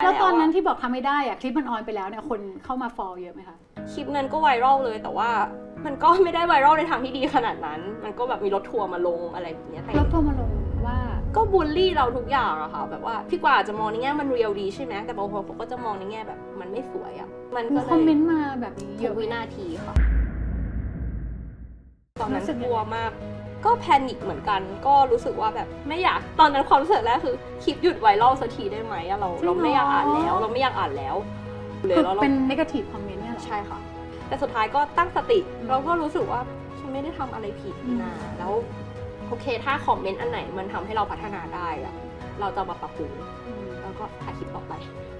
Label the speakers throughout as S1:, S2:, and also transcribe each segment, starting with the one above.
S1: แล้วตอนนั้นที่บอกทำไม่ได้อะคลิปมันออนไปแล้วเนี่ยคนเข้ามาฟอลเยอะไหมคะ
S2: คลิปนั้นก็ไวรัลเลยแต่ว่ามันก็ไม่ได้ไวรัลในทางที่ดีขนาดนั้นมันก็แบบมีรถทัวร์มาลงอะไรแบบนี้
S1: รถทัวร์มาลงว่า
S2: ก็บูลลี่เราทุกอย่างอะค่ะแบบว่าพี่กว่าจะมองในแง่มันเรียลดีใช่ไหมแต่บางคนเขาก็จะมองในแง่แบบมันไม่สวยอะมันก็เลย
S1: คอมเมนต์มาแบบนี้เยอะ
S2: วินาทีค่ะตอนนั้นกลัวมากก็แพนิคเหมือนกันก็รู้สึกว่าแบบไม่อยากตอนนั้นความรู้สึกแรกคือคลิปหยุดไวรัลสักทีได้ไหมเราไม่อยากอ่านแล้วเราไม่อยากอ่านแล้ว
S1: คือเป็นเนกาทีฟคอมเมนต์เนี่ยหรอ
S2: ใช่ค่ะแต่สุดท้ายก็ตั้งสติเราก็รู้สึกว่าฉันไม่ได้ทำอะไรผิดนะแล้วโอเคถ้าคอมเมนต์อันไหนมันทำให้เราพัฒนาได้อะเราจะมาปรับปรุงแล้วก็ถ่ายคลิปต่อไป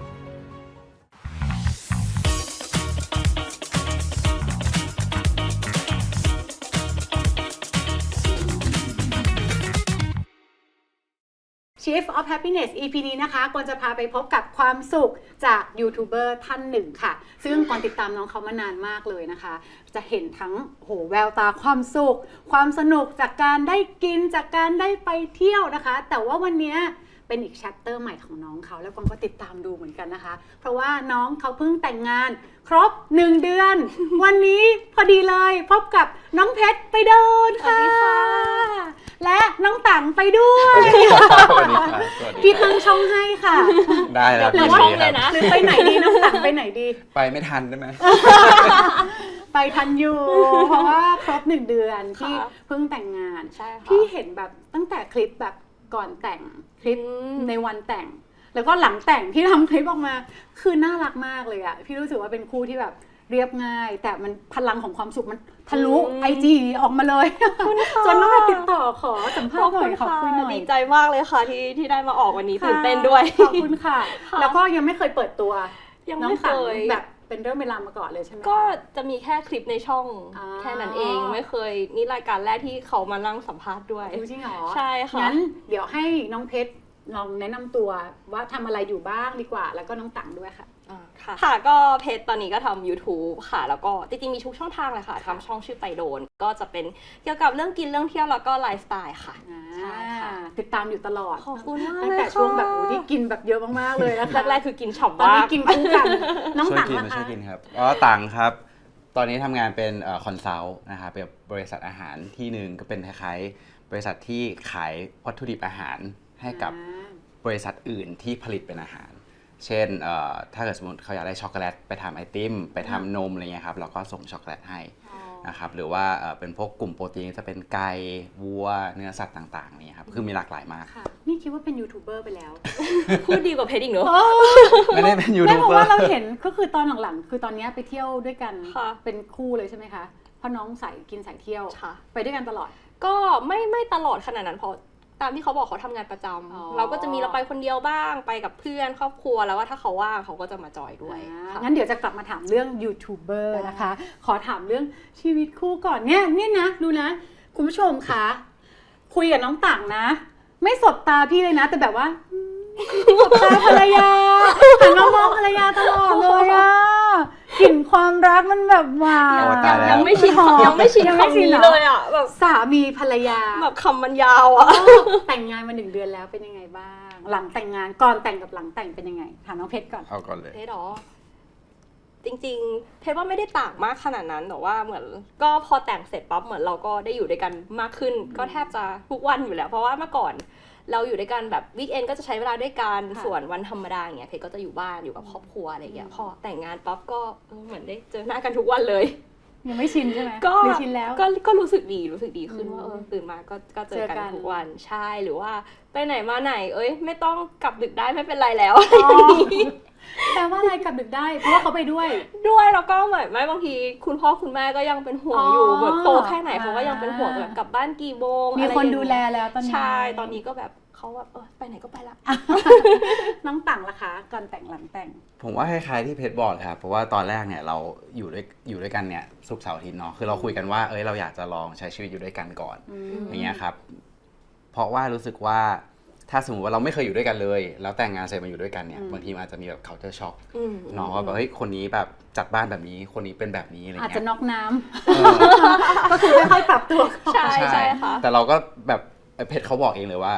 S1: Chief of Happiness EP นี้นะคะกวนจะพาไปพบกับความสุขจากยูทูบเบอร์ท่านหนึ่งค่ะซึ่งกวนติดตามน้องเขามานานมากเลยนะคะจะเห็นทั้งแววตาความสุขความสนุกจากการได้กินจากการได้ไปเที่ยวนะคะแต่ว่าวันนี้เป็นอีกแชปเตอร์ใหม่ของน้องเขาแล้วกวนก็ติดตามดูเหมือนกันนะคะเพราะว่าน้องเขาเพิ่งแต่งงานครบ1 เดือน วันนี้พอดีเลยพบกับน้องเพชรไปเดินค่ะและน้องตังไปด้วยพี่ตั้งช่องให้ค่ะ
S3: ได้แล้ว
S2: พี่ช่องเลยนะ
S1: หรือไปไหนดีน้องตังไปไหนดี
S3: ไปไม่ทันได้ไหม
S1: ไปทันอยู่เพราะว่าครบ1 เดือนที่เพิ่งแต่งงานพี่เห็นแบบตั้งแต่คลิปแบบก่อนแต่งคลิปในวันแต่งแล้วก็หลังแต่งที่ทำคลิปออกมาคือน่ารักมากเลยอะพี่รู้สึกว่าเป็นคู่ที่แบบเรียบง่ายแต่มันพลังของความสุขมันทะลุ IG ออกมาเลยจนต้องมาติดต่อขอสัมภาษณ์หน่อยขอบคุณหน่อย
S2: ดีใจมากเลยค่ะที่ได้มาออกวันนี้ตื่นเต้นด้วย
S1: ขอบคุณค่ะแล้วก็ยังไม่เคยเปิดตัว
S2: ยังไม่เคย
S1: แบบเป็นเรื่องเวลามาก่อนเลยใช่ไหม
S2: ก็จะมีแค่คลิปในช่องแค่นั้นเองไม่เคยนี่รายการแรกที่เขามานั่งสัมภาษณ์ด้วย
S1: จริงเหรอ
S2: ใช่ค่ะ
S1: งั้นเดี๋ยวให้น้องเพชรลองแนะนำตัวว่าทำอะไรอยู่บ้างดีกว่าแล้วก็น้องตังด้วยค่ะ
S2: ค่ะก็เพจตอนนี้ก็ทำ YouTube ค่ะแล้วก็จริงๆมีทุกช่องทางเลยค่ะทำช่องชื่อไปโดนก็จะเป็นเกี่ยวกับเรื่องกินเรื่องเที่ยวแล้วก็ไลฟ์สไตล์ค่ะ
S1: ใช่ค่ะติดตามอยู่ตลอด
S2: ขอบคุณมาก
S1: ตั้งแต่ช่วงแบบที่กินแบบเยอะมากๆเลยนะคะ
S2: แรกๆคือกินฉ่ำ
S1: ตอนนี้กินคู่กันน้องตัง
S3: นะคะช่วยกินครับตังครับตอนนี้ทำงานเป็นคอนซัลท์นะคะเป็นบริษัทอาหารที่หนึ่งก็เป็นคล้ายๆบริษัทที่ขายวัตถุดิบอาหารให้กับบริษัทอื่นที่ผลิตเป็นอาหารเช่นถ้าเกิดสมมติเขาอยากได้ช็อกโกแลตไปทำไอติมไปทำนมอะไรเงี้ยครับเราก็ส่งช็อกโกแลตให้นะครับหรือว่าเป็นพวกกลุ่มโปรตีนจะเป็นไก่วัวเนื้อสัตว์ต่างๆนี่ครับคือมีหลากหลายมาก
S1: นี่คิดว่าเป็นยูทูบเบอร์ไปแล้ว
S2: พูดดีกว่าเพจอีกเนอะ
S3: ไม่ได้เป็นยูทูบเบอร์
S1: เพราะว่าเราเห็นก็คือตอนหลังๆคือตอนนี้ไปเที่ยวด้วยกันเป็นคู่เลยใช่ไหมคะเพราะน้องสายกินสายเที่ยวไปด้วยกันตลอด
S2: ก็ไม่ตลอดขนาดนั้นเพราะตามที่เขาบอกเขาทำงานประจำเราก็จะมีเราไปคนเดียวบ้างไปกับเพื่อนครอบครัวแล้วว่าถ้าเขาว่างเขาก็จะมาจอยด้วย
S1: งั้นเดี๋ยวจะกลับมาถามเรื่องยูทูบเบอร์นะคะขอถามเรื่องชีวิตคู่ก่อนเนี่ยนะดูนะคุณผู้ชมคะคุยกับน้องต่างนะไม่สบตาพี่เลยนะแต่แบบว่าสบตาภรรยาหันมามองภรรยาตลอดเลยอะกลิ่นความรักมันแบบว้าว
S2: ยังไม่ชินคำนี้เลยอ่ะแบบ
S1: สามีภรรยา
S2: แบบคำมันยาวอ่ะ
S1: แต่งงานมา1 เดือนแล้วเป็นยังไงบ้างหลังแต่งงานก่อนแต่งกับหลังแต่งเป็นยังไงถามน้องเพชรก่อน
S3: เอาก่อนเลย
S2: เพชรหรอจริงๆเพชรว่าไม่ได้ต่างมากขนาดนั้นแต่ว่าเหมือนก็พอแต่งเสร็จปั๊บเหมือนเราก็ได้อยู่ด้วยกันมากขึ้นก็แทบจะทุกวันอยู่แล้วเพราะว่าเมื่อก่อนเราอยู่ด้วยกันแบบวีคเอนก็จะใช้เวลาด้วยกันส่วนวันธรรมดาอย่างเงี้ยเพชรก็จะอยู่บ้านอยู่กับครอบครัวอะไรอย่างเงี้ยพอแต่งงานปั๊บก็เหมือนได้เจอหน้ากันทุกวันเลย
S1: ยังไม่ชินใช่ไหม
S2: ก็
S1: ชินแล้ว
S2: ก็รู้สึกดีขึ้นว่าตื่นมาก็เจอกันทุกวันใช่หรือว่าไปไหนมาไหนไม่ต้องกลับดึกได้ไม่เป็นไรแล้ว
S1: แปลว่าอะไรกลับดึกได้เพราะว่าเขาไปด้วย
S2: แล้วก็เหมือนไม่บางทีคุณพ่อคุณแม่ก็ยังเป็นห่วงอยู่แบบโตแค่ไหนเขาก็ยังเป็นห่วงแบบกลับบ้านกี่โมง
S1: มีคนดูแลแล้วตอนนี้
S2: ใช่ตอนนี้ก็แบบเขาแบบไปไหนก็ไปละ
S1: น้องต่างล่ะคะก่อนแต่งหลังแต่ง
S3: ผมว่าคล้ายๆที่เพชรบอกครับเพราะว่าตอนแรกเนี่ยเราอยู่ด้วยกันเนี่ยศุกร์เสาร์อาทิตย์เนาะคือเราคุยกันว่าเราอยากจะลองใช้ชีวิตอยู่ด้วยกันก่อนอย่างเงี้ยครับเพราะว่ารู้สึกว่าถ้าสมมติว่าเราไม่เคยอยู่ด้วยกันเลยแล้วแต่งงานเสร็จมาอยู่ด้วยกันเนี่ยบางทีอาจจะมีแบบ culture shock เนาะว่าแบบคนนี้แบบจัดบ้านแบบนี้คนนี้เป็นแบบนี้อะไรเงี้ย
S1: อาจจะน็อกน้ำก็คือค่อยๆปรับตัว
S2: ใช่ค่ะ
S3: แต่เราก็แบบเพชรเขาบอกเองเลยว่าค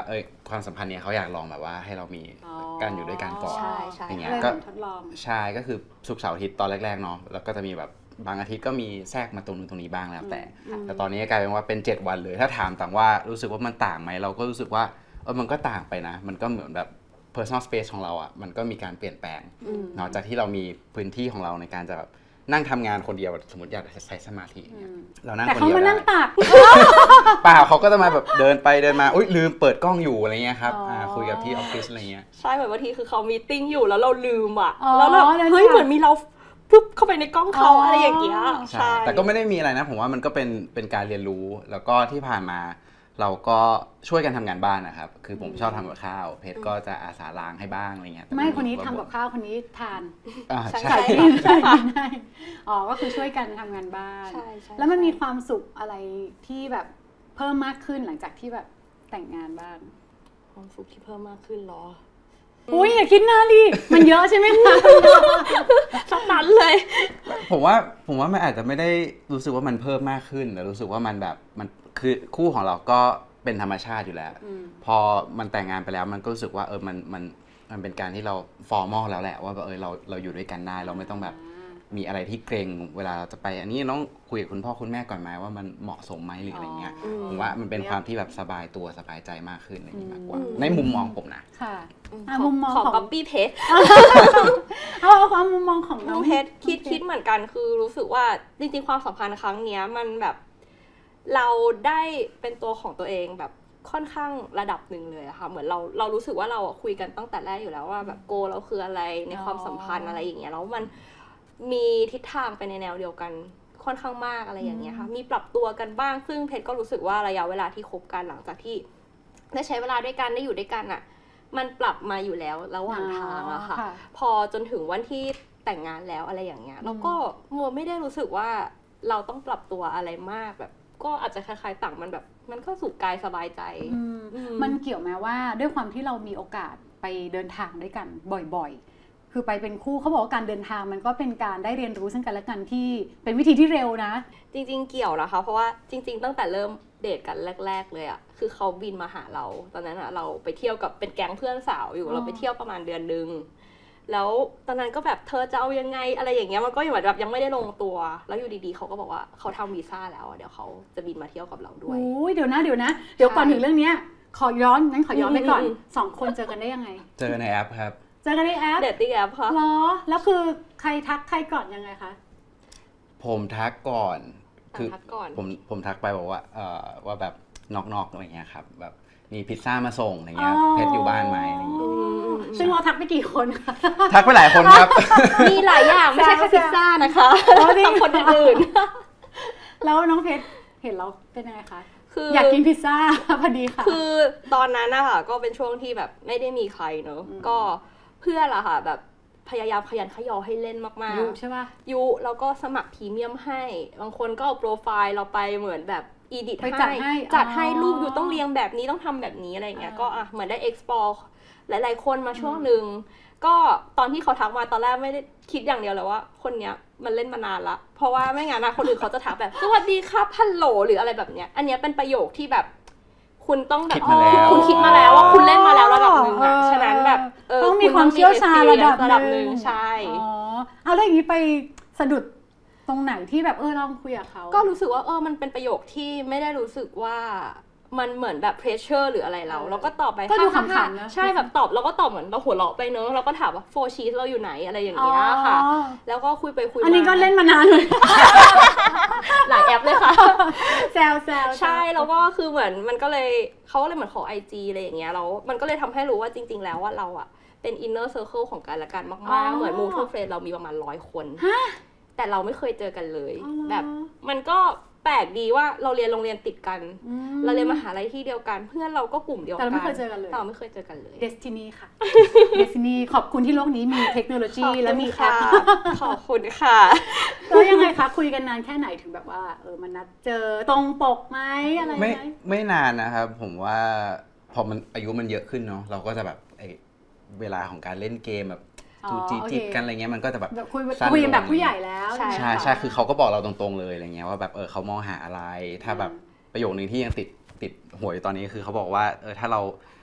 S3: ความสัมพันธ์เนี่ยเขาอยากลองแบบว่าให้เรามีการอยู่ด้วยกันก่อน
S2: ใช่ใช่
S3: อย่างเงี้ย
S1: เลย
S3: ก็
S1: เหมือนทดลอง
S3: ใช่ก็คือศุกร์เสาร์อาทิตย์ตอนแรกๆเนาะแล้วก็จะมีแบบบางอาทิตย์ก็มีแทรกมาตรงนู้นตรงนี้บ้างแล้วแต่ตอนนี้กลายเป็นว่าเป็น7วันเลยถ้าถามต่างว่ารู้สึกว่ามันต่างไหมเราก็รู้สึกว่ามันก็ต่างไปนะมันก็เหมือนแบบ personal space ของเราอ่ะมันก็มีการเปลี่ยนแปลงเนาะจากที่เรามีพื้นที่ของเราในการจะแบบนั่งทำงานคนเดียวสมมติอยากใช้สมาธิเนี่ยเรานั่ง
S1: แต่
S3: คน
S1: เขา
S3: เดียว
S1: มา
S3: ได้
S1: นั่งตัก
S3: เปล่าเขาก็จะมาแบบเดินไปเดินมาอุ้ยลืมเปิดกล้องอยู่อะไรเงี้ยครับ คุยกับที่ออฟฟิศอะไรเงี้ย
S2: ใช่เหมือนบางทีคือเขามีตติ้งอยู่แล้วเราลืมอ่ะ
S1: อ๋อ
S2: แล้วแบบ
S1: แล้ว
S2: เฮ้ย
S1: ค่ะ
S2: เหมือนมีเราปุ๊บเข้าไปในกล้องเขา
S1: อ๋ออ
S2: อะไรอย่างเงี้ย
S3: ใช่แต่ก็ไม่ได้มีอะไรนะผมว่ามันก็เป็นการเรียนรู้แล้วก็ที่ผ่านมาเราก็ช่วยกันทำงานบ้านนะครับคือผมชอบทำกับข้าวเพชรก็จะอาสาล้างให้บ้างอะไรเงี้ยแต่
S1: ไม่คนนี้
S3: ก็
S1: ทำกับข้าวคนนี้ทาน
S3: อ่า
S2: ใช่
S3: ใช่
S1: ใส่กินใส่กินได้อ๋อก็คือช่วยกันทำงานบ้าน
S2: ใช่ใช่
S1: แล้วมันมีความสุขอะไรที่แบบเพิ่มมากขึ้นหลังจากที่แบบแต่งงานบ้าง
S2: ความสุขที่เพิ่มมากขึ้นเหรอ
S1: อุ้ยอย่าคิดนานดิมันเยอะใช่ไหมคะ
S2: สักนั้นเลย
S3: ผมว่ามันอาจจะไม่ได้รู้สึกว่ามันเพิ่มมากขึ้นแต่รู้สึกว่ามันแบบมันคือคู่ของเราก็เป็นธรรมชาติอยู่แล้ว พอมันแต่งงานไปแล้วมันก็รู้สึกว่ามันเป็นการที่เราฟอร์มอลแล้วแหละว่าแบบเราอยู่ด้วยกันได้เราไม่ต้องแบบมีอะไรที่เกรงเวลาเราจะไปอันนี้ต้องคุยกับคุณพ่อคุณแม่ก่อนไหมว่ามันเหมาะสมไหมหรืออะไรเงี้ยผมว่ามันเป็นความที่แบบสบายตัวสบายใจมากขึ้นอะไรอย่างนี้มากกว่าในมุมมองผมนะ
S1: ค่ะ
S2: ข
S1: มุมมอง
S2: ของ
S1: ของ
S2: ป๊อปปี้เพชร
S1: เอาความมุมมองของน้
S2: น้
S1: อ
S2: อง งเพชรคิดเหมือนกันคือรู้สึกว่าจริงๆความสัมพันธ์ครั้งเนี้ยมันแบบเราได้เป็นตัวของตัวเองแบบค่อนข้างระดับหนึ่งเลยอะค่ะเหมือนเรารู้สึกว่าเราคุยกันตั้งแต่แรกอยู่แล้วว่าแบบโกเราคืออะไรในความสัมพันธ์อะไรอย่างเงี้ยแล้วมันมีทิศทางไปในแนวเดียวกันค่อนข้างมากอะไรอย่างเงี้ยค่ะมีปรับตัวกันบ้างซึ่งเพชรก็รู้สึกว่าระยะเวลาที่คบกันหลังจากที่ได้ใช้เวลาด้วยกันได้อยู่ด้วยกันอะมันปรับมาอยู่แล้วระหว่างทางอะค่ะ พอจนถึงวันที่แต่งงานแล้วอะไรอย่างเงี้ยแล้วก็มัวไม่ได้รู้สึกว่าเราต้องปรับตัวอะไรมากแบบ ก็อาจจะคล้ายๆต่างมันแบบมันก็สุขกายสบายใจ
S1: มันเกี่ยวไหมว่าด้วยความที่เรามีโอกาสไปเดินทางด้วยกันบ่อยๆ คือไปเป็นคู่เขาบอกว่าการเดินทางมันก็เป็นการได้เรียนรู้ซึ่งกันและกันที่เป็นวิธีที่เร็วนะ
S2: จริงๆเกี่ยวนะคะเพราะว่าจริงๆตั้งแต่เริ่มเดทกันแรกๆเลยอะคือเขาบินมาหาเราตอนนั้นอะเราไปเที่ยวกับเป็นแก๊งเพื่อนสาวอยู่เราไปเที่ยวประมาณเดือนนึงแล้วตอนนั้นก็แบบเธอจะเอายังไงอะไรอย่างเงี้ยมันก็เหมือนแบบยังไม่ได้ลงตัวแล้วอยู่ดีๆเขาก็บอกว่าเขาทำวีซ่าแล้วเดี๋ยวเขาจะบินมาเที่ยวกับเราด้วย
S1: โอ้ยเดี๋ยวก่อนถึงเรื่องเนี้ยขอย้อนไปก่อนสองคนเจอกันได้ยังไง
S3: เจอในแอปครับ
S1: เจอกันในแอป
S2: เดทติ้งแอปค่ะ
S1: เหรอแล้วคือใครทักใครก่อนยังไงคะ
S3: ผมทักก่อนคือ
S2: ทักก่อน
S3: ผมทักไปบอกว่าว่าแบบนอกอะไรเงี้ยครับแบบมีพิซซ่ามาส่งอะไรเงี้ยเพชรอยู่บ้านไหมอะไรอย่างเงี้ย
S1: ซึ่งเราทักไปกี่คนคะ
S3: ทักไปหลายคนครับ
S2: มีหลายอย่างไม่ใช่แค่พิซซ่านะคะ
S1: อ๋อจริง
S2: กับคนอื่น
S1: แล้วน้องเพชรเห็นเราเป็นยังไงคะ
S2: คือ
S1: อยากกินพิซซ่า พอดีค่ะ
S2: คือตอนนั้นนะคะก็เป็นช่วงที่แบบไม่ได้มีใครเนอะก็เพื่อนละค่ะแบบพยายามขยันขยอให้เล่นมากๆ
S1: ยุใช่ป่ะ
S2: ยุแล้วก็สมัครพรีเมียมให้บางคนก็เอาโปรไฟล์เราไปเหมือนแบบอีดิท
S1: ไปจัดให้
S2: จัดให้
S1: อ๋อ
S2: รูปอยู่ต้องเรียงแบบนี้ต้องทำแบบนี้อะไรเงี้ย
S1: อ่า
S2: ก็เหมือนได้ explore หลายๆคนมาช่วงหนึ่งก็ตอนที่เขาทักมาตอนแรกไม่ได้คิดอย่างเดียวเลยว่าคนเนี้ยมันเล่นมานานละเพราะว่าไม่งั้นนะคนอื่นเขาจะทักแบบสวัสดีครับฮัลโหลหรืออะไรแบบเนี้ยอันเนี้ยเป็นประโยคที่แบบคุณต้องแบบ
S3: คิดมาแล้ว
S2: คุณคิดมาแล้วว่าคุณเล่นมาแล้วระดับหนึ่งอะฉะนั้นแบบ
S1: ต้องมีความเชี่ยวชาญระดับ
S2: หนึ่งใช่
S1: อ๋อเอาแล้วอย่างนี้ไปสะดุดตรงไหนที่แบบลองคุยกับเขา
S2: ก็รู้สึกว่ามันเป็นประโยคที่ไม่ได้รู้สึกว่ามันเหมือนแบบเพรสเชอร์หรืออะไรเราก็ตอบไป
S1: ก็ดู
S2: ค่ะ
S1: ขำๆนะ
S2: ใช่แบบตอบเราก็ตอบเหมือนเราหัวเราะไปเนอะเราก็ถามว่าโฟชีสเราอยู่ไหนอะไรอย่างเงี้ยค่ะ
S1: อ๋อ
S2: แล้วก็คุยไปคุยมา
S1: อันนี้ก็เล่นมานานเลย
S2: หลายแอปเลยค่ะ
S1: แซว
S2: ใช่แล้วก็คือเหมือนมันก็เลยเขาก็เลยเหมือนขอ IG อะไรอย่างเงี้ยแล้วมันก็เลยทำให้รู้ว่าจริงๆแล้วว่าเราอะเป็นอินเนอร์เซอร์เคิลของกันและกันมากๆเหมือนมูทูเฟรนเรามีประมาณ100 คนแต่เราไม่เคยเจอกันเลย แบบมันก็แปลกดีว่าเราเรียนโรงเรียนติดกัน เราเรียนมหาลัยที่เดียวกันเพื่อนเราก็กลุ่มเดียวกัน
S1: แต่เราไม่เคยเจอกันเลย
S2: แต่เราไม่เคยเจอกันเลย
S1: Destiny ค่ะ Destiny ขอบคุณที่โลกนี้มีเทคโนโลยีและมีแอป
S2: ขอบคุณค่ะ
S1: แล้วยังไงคะคุยกันนานแค่ไหนถึงแบบว่ามันนัดเจอตรงปกไหมอะไรไหม
S3: ไม่นานนะครับผมว่าพอมันอายุมันเยอะขึ้นเนาะเราก็จะแบบเวลาของการเล่นเกมแบบจูจีจิกกันอะไรเงี้ยมันก็จะแบบ
S1: คุย
S3: สั้นลง
S1: คุยกันแบบผู้ใหญ่แล้ว
S2: ใช่
S3: ใช่คือเขาก็บอกเราตรงๆเลยอะไรเงี้ยว่าแบบเขามองหาอะไรถ้าแบบประโยคนึงที่ยังติดหัวอยู่ตอนนี้คือเขาบอกว่าถ้าเรา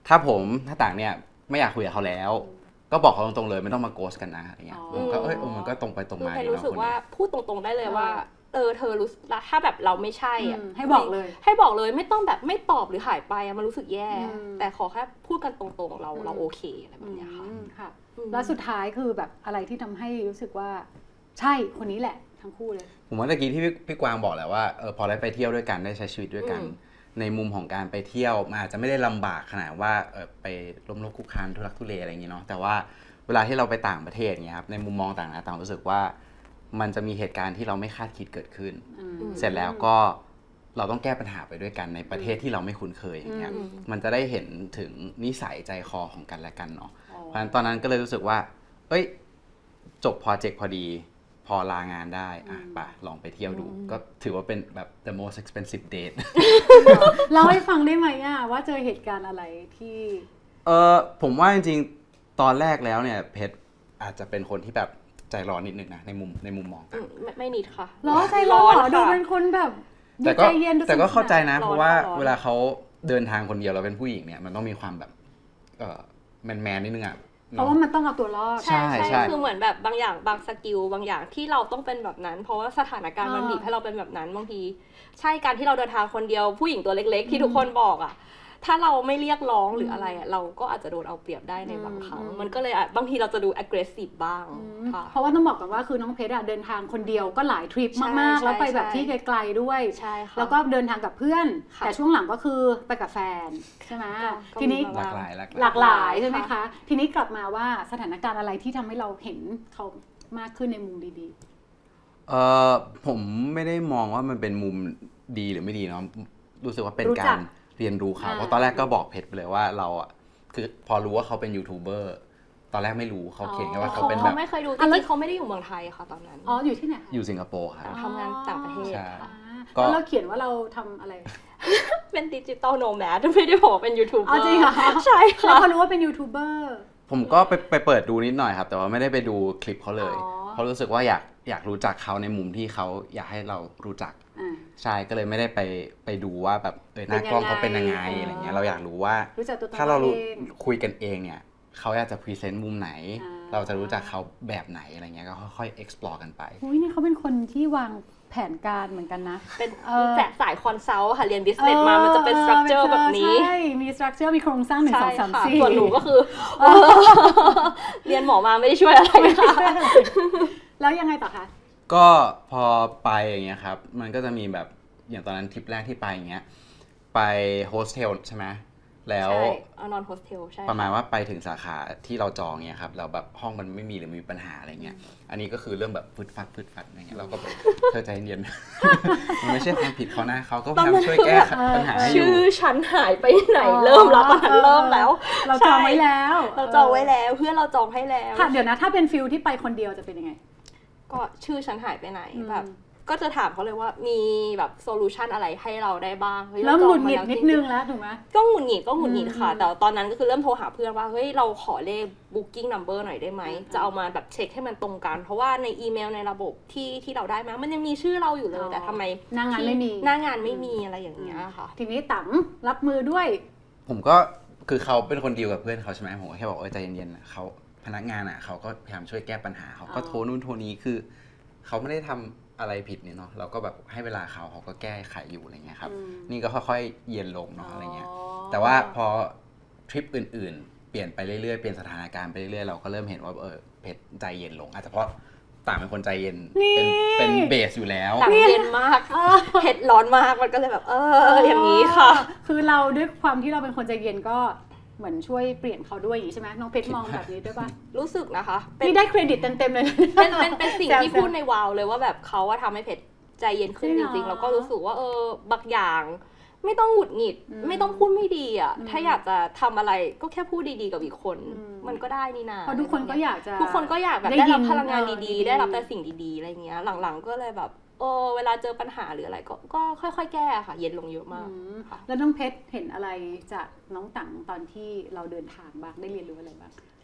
S3: ถ้าต่างเนี่ยไม่อยากคุยกับเขาแล้ว ก็บอกเขาตรงๆเลยไม่ต้องมาโกสกันนะอะไรเงี้ย
S1: อ๋อ
S3: ผมก็มันก็ตรงไปตรง
S2: คือ
S3: มา
S2: เพน
S3: ดี
S2: รู้สึก
S3: เนาะ
S2: ว่าพูดตรงๆได้เลยว่าเธอรู้สึกถ้าแบบเราไม่ใช่อ่ะ
S1: ให้บอกเลย
S2: ให้บอกเลยไม่ต้องแบบไม่ตอบหรือหายไปอะมันรู้สึกแย่ แต่ขอแค่พูดกันตรงๆเราโอเคอะไรแบบเนี้ยค่ะ
S1: ค่ะ แล้วสุดท้ายคือแบบอะไรที่ทำให้รู้สึกว่าใช่คนนี้แหละทั้งคู่เลย
S3: ผมว่าตะกี้ที่พี่กวางบอกแหละว่าพอได้ไปเที่ยวด้วยกันได้ใช้ชีวิตด้วยกัน
S2: อืม
S3: ในมุมของการไปเที่ยวมันอาจจะไม่ได้ลำบากขนาดว่าไปล้มลุกคลุกคลานทุรักทุเลอะไรอย่างงี้เนาะแต่ว่าเวลาที่เราไปต่างประเทศเงี้ยครับในมุมมองต่างนะต่างรู้สึกว่ามันจะมีเหตุการณ์ที่เราไม่คาดคิดเกิดขึ้น เสร็จแล้วก็เราต้องแก้ปัญหาไปด้วยกันในประเทศที่เราไม่คุ้นเคยอย่างเงี้ย มันจะได้เห็นถึงนิสัยใจคอของกันและกันเนาะ เพราะฉะนั้นตอนนั้นก็เลยรู้สึกว่าจบโปรเจกต์พอดีพอลางานได้ไปลองไปเที่ยวดู ก็ถือว่าเป็นแบบ the most expensive date
S1: เล่าให้ฟังได้ไหมว่าเจอเหตุการณ์อะไรที่
S3: ผมว่าจริงๆตอนแรกแล้วเนี่ยเพชรอาจจะเป็นคนที่แบบใจร้อนนิดนึงนะในมุมมองต่าง
S2: ไม่นิดค่ะ
S1: ร้อนใจร้อนเหรอดู
S2: ค่ะ
S1: เป็นคนแบบดู
S3: แต่ก็
S1: ใจเย็นดู
S3: แต่ก็เข้าใจนะ
S2: ร้อน
S3: เพราะว่า
S2: ร้อน
S3: เวลาเขาเดินทางคนเดียวเราเป็นผู้หญิงเนี่ยมันต้องมีความแบบแมนนิดนึงอ่ะ
S1: เพราะว่ามันต้องเอาตัวรอด
S3: ใช่
S2: ใช่คือเหมือนแบบบางอย่างบางสกิลบางอย่างที่เราต้องเป็นแบบนั้น เพราะว่าสถานการณ์มันบีบให้เราเป็นแบบนั้นบางทีใช่การที่เราเดินทางคนเดียวผู้หญิงตัวเล็กๆ ที่ทุกคนบอกอ่ะถ้าเราไม่เรียกร้องหรืออะไรอ่ะเราก็อาจจะโดนเอาเปรียบได้ในบางครั้งมันก็เลยบางทีเราจะดู aggressive บ้างค่ะ
S1: เพราะว่าต้องบอกกันว่าคือน้องเพชรเดินทางคนเดียวก็หลายทริปมากๆ
S2: ใช่
S1: แล้วไปแบบ
S2: ใช่
S1: ที่ไกลๆด้วย
S2: ใช่ค่ะ
S1: แล้วก็เดินทางกับเพื่อน
S2: ค่ะ
S1: แต่ช่วงหลังก็คือไปกับแฟนใช่ไหม
S2: ก็
S1: ทีนี้
S2: มี
S3: ห
S2: บ้
S3: ลาง กหลาย
S1: หลากหลายใช่ไหมคะ ทีนี้กลับมาว่าสถานการณ์อะไรที่ทำให้เราเห็นเขามากขึ้นในมุมดี
S3: ผมไม่ได้มองว่ามันเป็นมุมดีหรือไม่ดีเนาะรู้สึกว่าเป็น
S1: รู้จั
S3: กาก รเรียนรู้เขาเพราะตอนแรกก็บอกเพชรไปเลยว่าเราอ่ะคือพอรู้ว่าเขาเป็นยูทูบเบอร์ตอนแรกไม่รู้เขาเขียนแค่ว่าเขาเป็นแบ
S2: เขา
S3: บ
S2: ไม่เคยดูจ
S1: อ่ะแล้ว
S2: ริงๆเขาไม่ได้อยู่เมืองไทยค่ะตอนนั้น
S1: ๆอ๋ออยู่ที่ไหนคะ
S3: อยู่สิงคโปร์ครับ
S2: ทำงานต่างประเทศ
S3: ใช่
S2: ค่ะ
S3: ก็
S1: แล้วเราเขียนว่าเราทำอะไร
S2: เป็นดิจิตอลโนแมดไม่ได้บอกว่าเป็นยูทูบเบอ
S1: อ๋อ
S2: ร์
S1: จริงเหรอ
S2: ใช่
S1: แล้ว
S2: ค่ะ
S1: พอรู้ว่าเป็นยูทูบเบอร์
S3: ผมก็ไปเปิดดูนิดหน่อยครับ แต่ว่าไม่ได้ไปดูคลิปเขาเลย
S1: อ๋อ
S3: เพราะรู้สึกว่าอยากรู้จักเขาในมุมที่เขาอยากให้เรารู้จัก
S1: อ่า
S3: ใช่ก็เลยไม่ได้ไปดูว่าแบบหน้ากล้องเขาเป็นยังไง
S1: เป็นยังไง
S3: อะไรเงี้ยเราอยากรู้ว่า
S1: รู้จักตัวตน
S3: ถ้าเรา
S1: ตัวเอง
S3: คุยกันเองเนี่ยเขาอยากจะพรีเซนต์มุมไหน
S1: อ่า
S3: เราจะรู้จักเขาแบบไหนอะไรเงี้ยก็ค่อยๆ explore กันไป
S1: อุ้ยนี่เขาเป็นคนที่วางแผนการเหมือนกันนะ
S2: เป็น
S1: เออ
S2: แจกสายคอนซัลท์ค่ะ เรียนบิสเนสมามันจะเป็นสตรัคเจอร์แบบนี้
S1: ใช่ มีสตรัคเจอร์มีโครงสร้างหนึ่ง
S2: ใช่
S1: สองสาม
S2: ค่ะ
S1: สี่
S2: ส่วนหนูก็คือ เรียนหมอมาไม่ได้ช่วยอะไรค่ะ
S1: แล้วยังไงต่อคะ
S3: ก็พอไปอย่างเงี้ยครับมันก็จะมีแบบอย่างตอนนั้นทริปแรกที่ไปอย่างเงี้ยไปโฮสเทลใช่ไหมแล้ว
S2: ใช่เอานอนโฮสเทลใช่
S3: ประมาณว่าไปถึงสาขาที่เราจองเนี่ยครับเราแบบห้องมันไม่มีหรือมีปัญหาอะไรเงี้ยอันนี้ก็คือเรื่องแบบฟึดฟัดอะไรเงี้ยเราก็แบบเธอใจเย็นๆ มันไม่ใช่ความผิดเขานะเขาก็พยายามช่วยแก้ปัญหาให้อยู่
S2: ชื่อฉันหายไปไหนเริ่มแล้วตอนนั้นเริ่มแล้ว
S1: เราจองไว้แล้ว
S2: เราจองไว้แล้วเพื่อนเราจองให้แล้ว
S1: ค่ะเดี๋ยวนะถ้าเป็นฟิลที่ไปคนเดียวจะเป็นยังไง
S2: ก็ชื่อฉันหายไปไหนแบบก็จะถามเขาเลยว่ามีแบบโซลูชันอะไรให้เราได้บ้างฮ้ย
S1: เริ่ม
S2: รา
S1: ห
S2: จ
S1: งุ
S2: อง
S1: ดห
S2: มา
S1: งิด
S2: แล้ว
S1: นิด
S2: จริงๆ
S1: นึงแล้วถูกไหม
S2: ก็หงุดหงิดค่ะ แต่ตอนนั้นก็คือเริ่มโทรหาเพื่อนว่าเฮ้ยเราขอเลข booking number หน่อยได้ไหมจะเอามาแบบเช็คให้มันตรงกัน เพราะว่าในอีเมลในระบบที่เราได้มามันยังมีชื่อเราอยู่เลยแต่ทำไม
S1: หน้างานไม่มี
S2: หน้างานไม่มีอะไรอย่างเงี้ยค่ะ
S1: ทีนี้ตังรับมือด้วย
S3: ผมก็คือเขาเป็นคนดีลกับเพื่อนเขาใช่ไหมผมก็แค่บอกใจเย็นๆนะเขาพนักงานอ่ะเขาก็พยายามช่วยแก้ปัญหาเขาก็โทรนู่นโทรนี้คือเขาไม่ได้ทำอะไรผิดเนี่ยเนาะเราก็แบบให้เวลาเขาก็แก้ไขอยู่อะไรเงี้ยครับ นี่ก็ค่อยๆเย็นลงเนาะอะไรเงี้ยแต่ว่าพอทริปอื่นๆเปลี่ยนไปเรื่อยๆเปลี่ยนสถานการณ์ไปเรื่อยๆเราก็เริ่มเห็นว่าเพชรใจเย็นลงอาจจะเพราะต่างเป็นคนใจเย็นเป็นเบสอยู่แล้ว
S2: ต่างเย็นมากเผ็ดร้อนมากมันก็เลยแบบอย่างนี้ค่ะ
S1: คือเราด้วยความที่เราเป็นคนใจเย็นก็เหมือนช่วยเปลี่ยนเขาด้วยอย่างนี้ใช่ไหมน้องเพชรมองแบบนี้ด้วยป่ะ
S2: รู้สึกนะคะเป็น
S1: นี่ได้เครดิตเต็มๆเลย
S2: เป็นสิ่งที่พูดในวาวเลยว่าแบบเขาว่าทำให้เพชรใจเย็นขึ้น
S1: จ
S2: จ
S1: ริงเหรอ
S2: ริงๆแล้วก็รู้สึกว่าบางอย่างไม่ต้องหงุดหงิด ไม่ต้องพูดไม่ดีอ่ะถ้าอยากจะทำอะไรก็แค่พูดดีๆกับอีกคน มันก็ได้นี่นา
S1: เพราะทุกคนก็อยากจะ
S2: ทุกคนก็อยากแบบ
S1: ได้
S2: ได้
S1: ยิ
S2: รั
S1: น
S2: บพลังงาน
S1: ดี
S2: ดี
S1: ๆ
S2: ๆ ได้รับแต่สิ่งดีๆอะไรเงี้ยหลังๆก็เลยแบบเวลาเจอปัญหาหรืออะไรก็ค่อยๆแก้ค่ะ เย็นลงเยอะมากค่ะ
S1: แล้วน้องเพชรเห็นอะไรจากน้องตังตอนที่เราเดินทางบ้างได้เรียนรู้อะไรบ้าง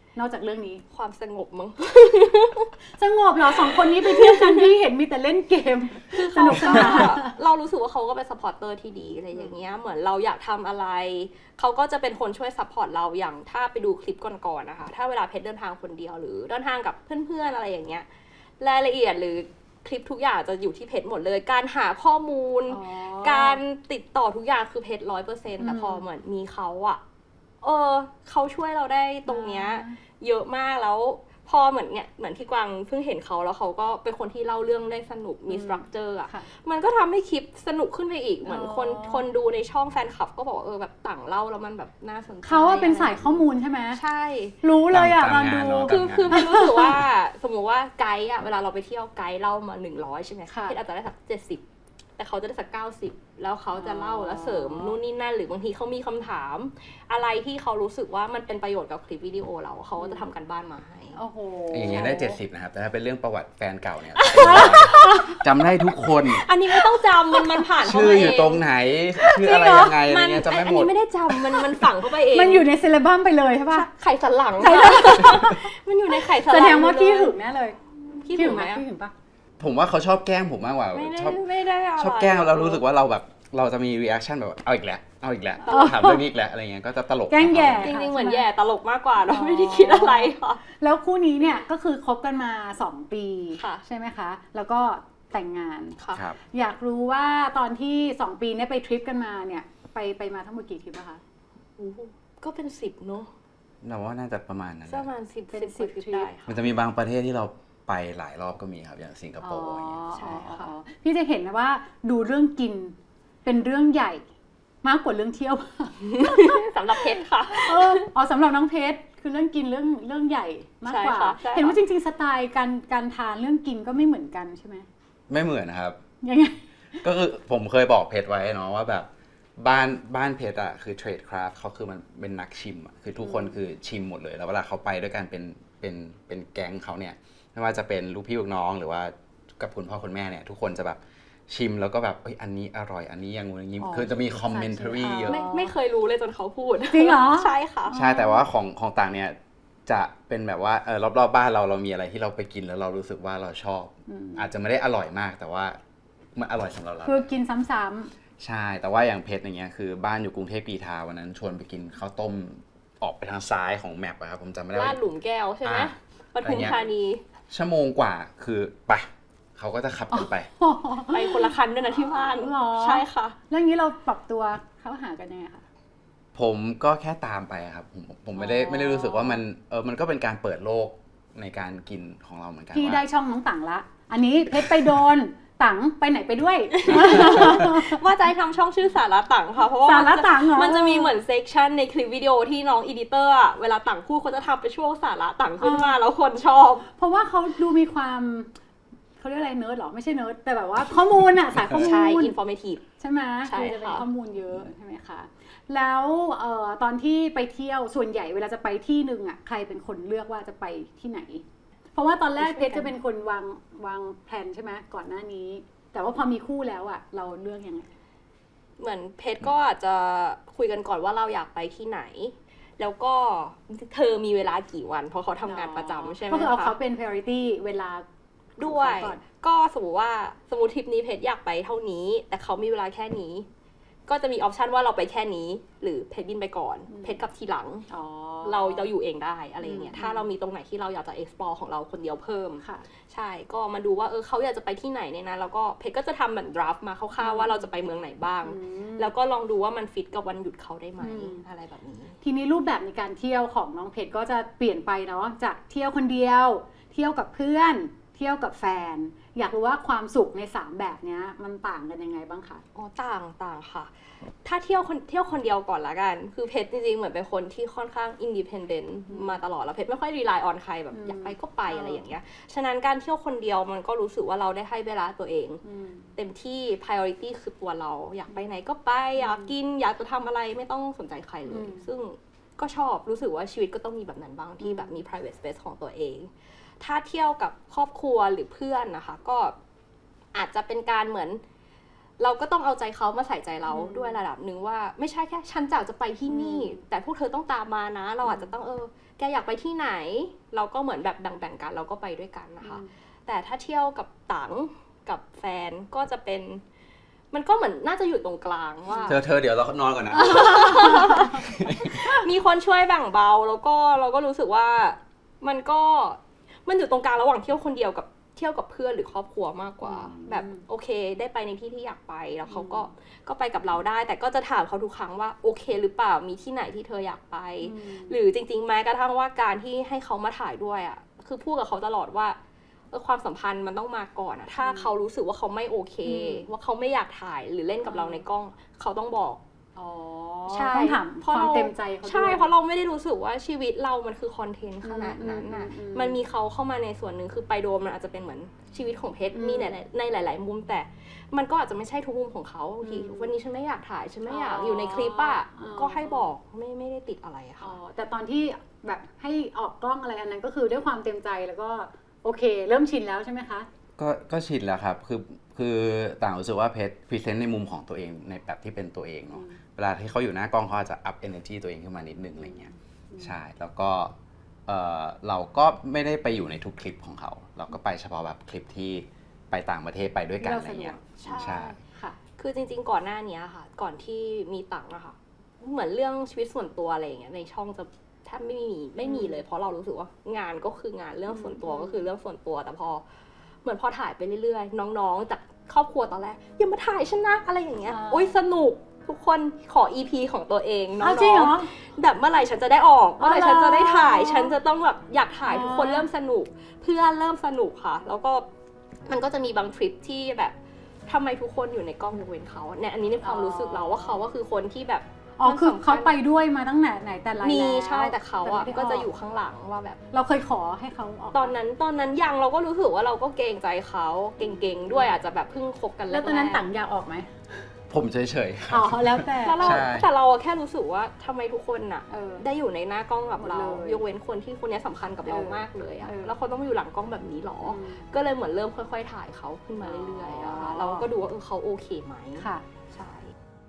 S1: นอกจากเรื่องนี้
S2: ความสงบมั้ง
S1: สงบเหรอ2 คนนี้ไปเที่ยวกันที่เห็นมีแต่เล่นเกมสนุกสนาน
S2: เรารู้สึกว่าเขาก็เป็นซัพพอร์ตเตอร์ที่ดีอะไรอย่างเงี้ยเหมือนเราอยากทำอะไรเขาก็จะเป็นคนช่วยซัพพอร์ตเราอย่างถ้าไปดูคลิปก่อนๆนะคะถ้าเวลาเพชรเดินทางคนเดียวหรือเดินทางกับเพื่อนๆอะไรอย่างเงี้ยรายละเอียดหรือคลิปทุกอย่างจะอยู่ที่เพชรหมดเลย การหาข้อมูล การติดต่อทุกอย่างคือเพชร100%แต่พอเหมือนมีเขาอะเขาช่วยเราได้ตรงเนี้ยเยอะมากแล้วพอเหมือนที่กวางเพิ่งเห็นเขาแล้วเขาก็เป็นคนที่เล่าเรื่องได้สนุกมีสตรัคเจอร์อะ
S1: ค่ะ
S2: มันก็ทำให้คลิปสนุกขึ้นไปอีกเหมือนคนดูในช่องแฟนคลับก็บอกว่าแบบต่างเล่าแล้วมันแบบน่าสนใจ
S1: เขาเป็นสายข้อมูลใช่ไหม
S2: ใช่
S1: รู้เลยอ่ะตอน
S3: ตาม
S1: ดู
S3: งานเนอะ
S2: คือเพชรรู้สึกว่าสมมติว่าไกด์อะเวลาเราไปเที่ยวไกด์เล่ามา100ใช่ไหม
S1: ค่ะ
S2: เพชรอาจจะได้สัก70แต่เขาจะได้สัก90แล้วเขาจะเล่าแล้วเสริมนู่นนี่นั่นหรือบางทีเขามีคำถาม อะไรที่เขารู้สึกว่ามันเป็นประโยชน์กับคลิปวิดีโอเราเขาก็จะทำกันบ้านมาให้
S1: โอ้โห
S3: อย่างเงี้ยได้ 70 นะครับ แต่ถ้าเป็นเรื่องประวัติแฟนเก่าเนี่ย จำได้ทุกคน
S2: อันนี้ไม่ต้องจำมันผ่านเข้า
S3: ชื่อ
S2: มา
S3: อยู่
S2: เอง
S3: ตรงไหน ชื่ออะไรยังไงอะไรเงี้ยจำไม่หม
S2: อัน
S3: ด
S2: นี้ไม่ได้จำมันฝังเข้าไปเอง
S1: มันอยู่ในเซเลบัมไปเลยใช่ป่ะ
S2: ไข่สันหลังมันอยู่ในไข่สันห
S1: แส
S2: ลัง
S1: ดงว่าขี้หึงแน่เลย
S2: ขี้หึงไหม
S1: ขี้หึงปะ
S3: ผมว่าเขาชอบแกล้งผมมากกว่า
S2: ไม่ได้
S3: ชอบ
S2: ไม่ได้อะไร
S3: ชอบแกล้งเรารู้สึกว่าเราแบบเราจะมีรีแอคชั่นแบบเอาอีกแล้วเอาอีกแล้วถามเรื่องนี้อีกแล้วอะไรเงี้ยก็จะตลก
S1: แกล้งแย่
S2: จริงๆเหมือนแย่ตลกมากกว่าเราไม่ได้คิดอะไรค่ะ
S1: แล้วคู่นี้เนี่ยก็คือคบกันมา2 ปี
S2: ค่ะ
S1: ใช่ไหมคะ แล้วก็แต่งงาน
S2: ค่ะ
S3: ครับ
S1: อยากรู้ว่าตอนที่2 ปีเนี่ยไปทริปกันมาเนี่ยไปมาทั้งหมดกี่ทริปอะคะ
S2: ก็เป็น10เนอะ
S3: เราว่าน่าจะประมาณนั้น
S2: ประมาณ10
S1: เป็น
S2: 10
S1: 10
S2: ได้
S3: มันจะมีบางประเทศที่เราไปหลายรอบก็มีครับอย่างสิงคโปร์อย่างเงี้ย
S2: ใช่ค่ะ
S1: พี่จะเห็นนะว่าดูเรื่องกินเป็นเรื่องใหญ่มากกว่าเรื่องเที่ยว
S2: สำหรับเพชรค่ะ
S1: สำหรับน้องเพชรคือเรื่องกินเรื่องใหญ่มากกว่า
S2: ใช่ค่ะใช่ค่ะ
S1: เห็นว่าจริงๆสไตล์การทานเรื่องกินก็ไม่เหมือนกันใช่ไหม
S3: ไม่เหมือนนะครับ
S1: ยังไง
S3: ก็คือผมเคยบอกเพจไว้เนาะว่าแบบบ้านเพจอะคือเทรดคราฟเขาคือมันเป็นนักชิมอะคือทุกคนคือชิมหมดเลยแล้วเวลาเขาไปด้วยกันเป็นแก๊งเขาเนี่ยไม่ว่าจะเป็นลูกพี่ลูกน้องหรือว่ากับคุณพ่อคุณแม่เนี่ยทุกคนจะแบบชิมแล้วก็แบบอันนี้อร่อยอันนี้ยังงูอย่างงี้คือจะมีคอมเมนต์รีเยอะ
S2: ไม่เคยรู้เลยจนเขาพูด
S1: จริงเหรอ
S2: ใช่ค่ะ
S3: ใช่แต่ว่าของต่างเนี่ยจะเป็นแบบว่ารอบๆบ้านเรามีอะไรที่เราไปกินแล้วเรารู้สึกว่าเราชอบ อาจจะไม่ได้อร่อยมากแต่ว่ามันอร่อยสำหรับเรา
S1: คือกินซ้ำ
S3: ใช่แต่ว่าอย่างเพชรอย่างเงี้ยคือบ้านอยู่กรุงเทพกรีฑาวันนั้นชวนไปกินข้าวต้มออกไปทางซ้ายของแมปอะครับผมจำไม่ได้
S2: ลา
S3: ว่า
S2: ดหลุมแก้วใช่ไหม
S3: อ่า
S2: ปทุมธานี
S3: ชั่วโมงกว่าคือไปเขาก็จะขับกันไป
S1: ๆ
S2: ไปคนละคันด้วยนะที่บ้าน
S1: หรอ
S2: ใช่ค่ะ
S1: แล้วอย่างนี้เราปรับตัวเข้าหากันยังไงคะ
S3: ผมก็แค่ตามไปครับผมไม่ได้รู้สึกว่ามันก็เป็นการเปิดโลกในการกินของเราเหมือนกัน
S1: พี่
S3: ว่า
S1: ได้ช่องน้องต่างละ อันนี้เพชรไปโดนตังไปไหนไปด้วย
S2: ว่าจะให้ทำช่องชื่อสาระตังค่ะเพราะว่า
S1: สาระตังเหรอ
S2: มันจะมีเหมือนเซกชันในคลิปวิดีโอที่น้องอีดิเตอร์อะเวลาตังพูดเขาจะทำเป็นช่วงสาระตังขึ้นมาแล้วคนชอบ
S1: เพราะว่าเขาดูมีความเขาเรียกอะไรเนิร์ดหรอไม่ใช่เนิร์ดแต่แบบว่าข้อมูลอะสายข้อมูล
S2: ใช่ informative
S1: ใช่ไหม
S2: ใช่
S1: คือจะเป็น
S2: ค่ะ
S1: ข้อมูลเยอะใช่ไหมคะแล้วตอนที่ไปเที่ยวส่วนใหญ่เวลาจะไปที่หนึ่งอะใครเป็นคนเลือกว่าจะไปที่ไหน เพราะว่าตอนแรกเพชรจะเป็นคนวางแผนใช่ไหมก่อนหน้านี้ แต่ว่าพอมีคู่แล้วอะเราเลือกยังไง
S2: เหมือนเพชรก็อาจจะคุยกันก่อนว่าเราอยากไปที่ไหน แล้วก็เธอมีเวลากี่วัน เพราะเขาทำงานประจำใช่ไหม
S1: ก็คือเอา
S2: คะ
S1: เขาเป็น priority เวลา
S2: ด้วย
S1: ของเขาก่อน
S2: ก็สมมติทริปนี้เพชรอยากไปเท่านี้ แต่เขามีเวลาแค่นี้ ก็จะมีออปชันว่าเราไปแค่นี้ หรือเพชรบินไปก่อน เพชรกลับทีหลัง
S1: อ๋อ
S2: เราอยู่เองได้อะไรอย่างเงี้ย
S1: อืม
S2: ถ้าเรามีตรงไหนที่เราอยากจะ explore ของเราคนเดียวเพิ่ม
S1: ค่ะ
S2: ใช่ ก็มาดูว่าเขาอยากจะไปที่ไหนในนั้นแล้วก็เพชรก็จะทำเหมือน draft มาคร่าวๆว่าเราจะไปเมืองไหนบ้าง แล้วก็ลองดูว่ามันฟิตกับวันหยุดเขาได้ไหม อะไรแบบนี้
S1: ทีนี้รูปแบบในการเที่ยวของน้องเพชรก็จะเปลี่ยนไปเนาะจากเที่ยวคนเดียว เที่ยวกับเพื่อน เที่ยวกับแฟน อยากรู้ว่าความสุขใน3แบบเนี้ยมันต่างกันยังไงบ้างคะ
S2: อ๋อต่างค่ะ ถ้าเที่ยวคนเดียวก่อนละกัน คือเพชรจริงๆเหมือนเป็นคนที่ค่อนข้างอินดิเพนเดนต์มาตลอดแล้วเพชรไม่ค่อยรีไลน์ออนใครแบบอยากไปก็ไปอะไรอย่างเงี้ย ฉะนั้นการเที่ยวคนเดียวมันก็รู้สึกว่าเราได้ให้เวลาตัวเอง เต็มที่ priority คือตัวเรา อยากไปไหนก็ไป อยากกิน อยากจะทำอะไรไม่ต้องสนใจใครเลย ซึ่งก็ชอบรู้สึกว่าชีวิตก็ต้องมีแบบนั้นบ้างที่แบบมี private space ของตัวเอง ถ้าเที่ยวกับครอบครัวหรือเพื่อนนะคะ ก็อาจจะเป็นการเหมือนเราก็ต้องเอาใจเขามาใส่ใจเราด้วยระดับหนึ่งว่าไม่ใช่แค่ฉันอยากจะไปที่นี่ แต่พวกเธอต้องตามมานะ เราอาจจะต้องแกอยากไปที่ไหน เราก็เหมือนแบบแบ่งกันเราก็ไปด้วยกันนะคะ แต่ถ้าเที่ยวกับตังกับแฟนก็จะเป็นมันก็เหมือนน่าจะอยู่ตรงกลางว่า
S3: เธอเดี๋ยวเรานอนก่อนนะ
S2: มีคนช่วยแบ่งเบาแล้วก็เราก็รู้สึกว่ามันอยู่ตรงกลางระหว่างเที่ยวคนเดียวกับเที่ยวกับเพื่อนหรือครอบครัวมากกว่า แบบโอเคได้ไปในที่ที่อยากไปแล้วเขาก็ไปกับเราได้ แต่ก็จะถามเขาทุกครั้งว่าโอเคหรือเปล่ามีที่ไหนที่เธออยากไป หรือจริงๆแม้กระทั่งว่าการที่ให้เขามาถ่ายด้วยอ่ะคือพูดกับเขาตลอดว่าความสัมพันธ์มันต้องมาก่อนอะถ้าเขารู้สึกว่าเขาไม่โอเคว่าเขาไม่อยากถ่ายหรือเล่นกับเราในกล้องเขาต้องบอก
S1: ใช่ต้องถามความเต็มใจเขาด้วย
S2: ใช่เพราะเราไม่ได้รู้สึกว่าชีวิตเรามันคือคอนเทนต์ขนาดนั้นน่ะมันมีเขาเข้ามาในส่วนหนึ่งคือไปโดมมันอาจจะเป็นเหมือนชีวิตของเพชรมีในหลายๆมุมแต่มันก็อาจจะไม่ใช่ทุกมุมของเขาบางทีวันนี้ฉันไม่อยากถ่ายฉันไม่อยากอยู่ในคลิปอะก็ให้บอกไม่ได้ติดอะไรอะค่ะ
S1: แต่ตอนที่แบบให้ออกกล้องอะไรอันนั้นก็คือด้วยความเต็มใจแล้วก็โอเคเริ่มชินแล้วใช่ไหมคะ
S3: ก็ชินแล้วครับคือต่างรู้สึกว่าเพชรพรีเซนต์ในมุมของตัวเองในแบบที่เป็นตัวเองเนาะเวลาที่เขาอยู่หน้ากล้องเขาอาจจะอัพเอเนอร์จีตัวเองขึ้นมานิดนึงอะไรเงี้ยใช่แล้วก็เราก็ไม่ได้ไปอยู่ในทุกคลิปของเขาเราก็ไปเฉพาะแบบคลิปที่ไปต่างประเทศไปด้วยกันอะไรเงี้ย
S2: ใช่ค่ะคือจริงๆก่อนหน้านี้ค่ะก่อนที่มีตังค์นะคะเหมือนเรื่องชีวิตส่วนตัวอะไรอย่างเงี้ยในช่องจะแทบไม่มีเลยเพราะเรารู้สึกว่างานก็คืองานเรื่องส่วนตัวก็คือเรื่องส่วนตัวแต่พอเหมือนพอถ่ายไปเรื่อยๆน้องๆจากครอบครัวตอนแรกอย่ามาถ่ายฉันนะอะไรอย่างเงี้ยโอ๊ยสนุกทุกคนขอ EP ของตัวเองน้องๆแบบเมื่อไหร่ฉันจะได้ออกเมื่อไหร่ฉันจะได้ถ่ายฉันจะต้องแบบอยากถ่ายทุกคนเริ่มสนุกเพื่อนเริ่มสนุกค่ะแล้วก็มันก็จะมีบางทริปที่แบบทำไมทุกคนอยู่ในกล้องยกเว้นเขาเนี่ยอันนี้ในความรู้สึกเราว่าเขาก็คือคนที่แบบ
S1: คือเขาไปด้วยมาตั้งไหนแต่ไรแล้ว
S2: มีใช่แต่เขาอ่ะก็จะอยู่ข้างหลังว่าแบบ
S1: เราเคยขอให้เขาออก
S2: ตอนนั้นยังเราก็รู้สึกว่าเราก็เกรงใจเขาเก่งๆด้วยอาจจะแบบเพิ่งคบกัน
S1: แล้วตอนนั้นต่างอยากออกไหม
S3: ผมเฉย
S1: ๆแล้วแต่
S2: เราแค่รู้สึกว่าทำไมทุกคนน่ะได้อยู่ในหน้ากล้องกับเรายกเว้นคนที่คนนี้สำคัญกับเรามากเลยอะแล้วเขาต้องอยู่หลังกล้องแบบนี้หรอก็เลยเหมือนเริ่มค่อยๆถ่ายเขาขึ้นมาเรื่อยๆอะเราก็ดูว่าเขาโอเคไหม
S1: ค่ะ
S2: ใช่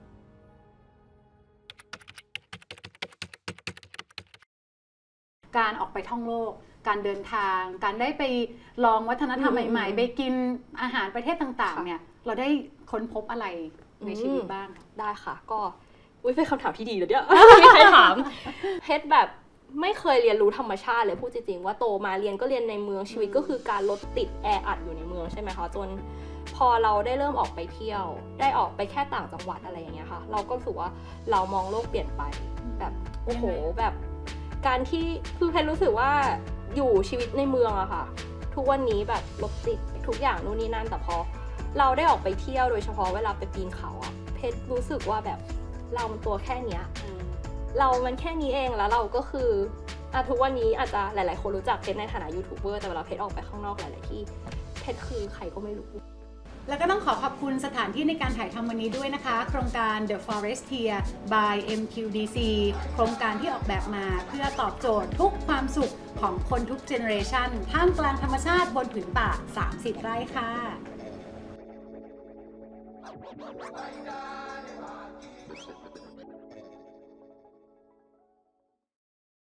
S1: การออกไปท่องโลกการเดินทางการได้ไปลองวัฒนธรรมใหม่ๆไปกินอาหารประเทศต่างๆเนี่ยเราได้ค้นพบอะไรในชีวิตบ้าง
S2: ได้ค่ะก็เป็นคำถามที่ดีเลยเนี่ยมีใครถามเพชรแบบไม่เคยเรียนรู้ธรรมชาติเลยพูดจริงๆว่าโตมาเรียนก็เรียนในเมืองชีวิตก็คือการรถติดแออัดอยู่ในเมืองใช่ไหมคะจนพอเราได้เริ่มออกไปเที่ยวได้ออกไปแค่ต่างจังหวัดอะไรอย่างเงี้ยค่ะเราก็รู้สึกว่าเรามองโลกเปลี่ยนไปแบบโอ้โหแบบการที่คือเพชรรู้สึกว่าอยู่ชีวิตในเมืองอะค่ะทุกวันนี้แบบรถติดทุกอย่างนู่นนี่นั่นแต่พอเราได้ออกไปเที่ยวโดยเฉพาะเวลาไปปีนเขาอะเพชรรู้สึกว่าแบบเรามันตัวแค่เนี้ยเรามันแค่นี้เองแล้วเราก็คือทุกวันนี้อาจจะหลายๆคนรู้จักเพชรในฐานะยูทูบเบอร์แต่เวลาเพชรออกไปข้างนอกหลายๆที่เพชรคือใครก็ไม่รู้
S1: แล้วก็ต้องขอบคุณสถานที่ในการถ่ายทำวันนี้ด้วยนะคะโครงการ The Forestier by MQDC โครงการที่ออกแบบมาเพื่อตอบโจทย์ทุกความสุขของคนทุกเจเนอเรชันท่ามกลางธรรมชาติบนผืนป่า30 ไร่ค่ะ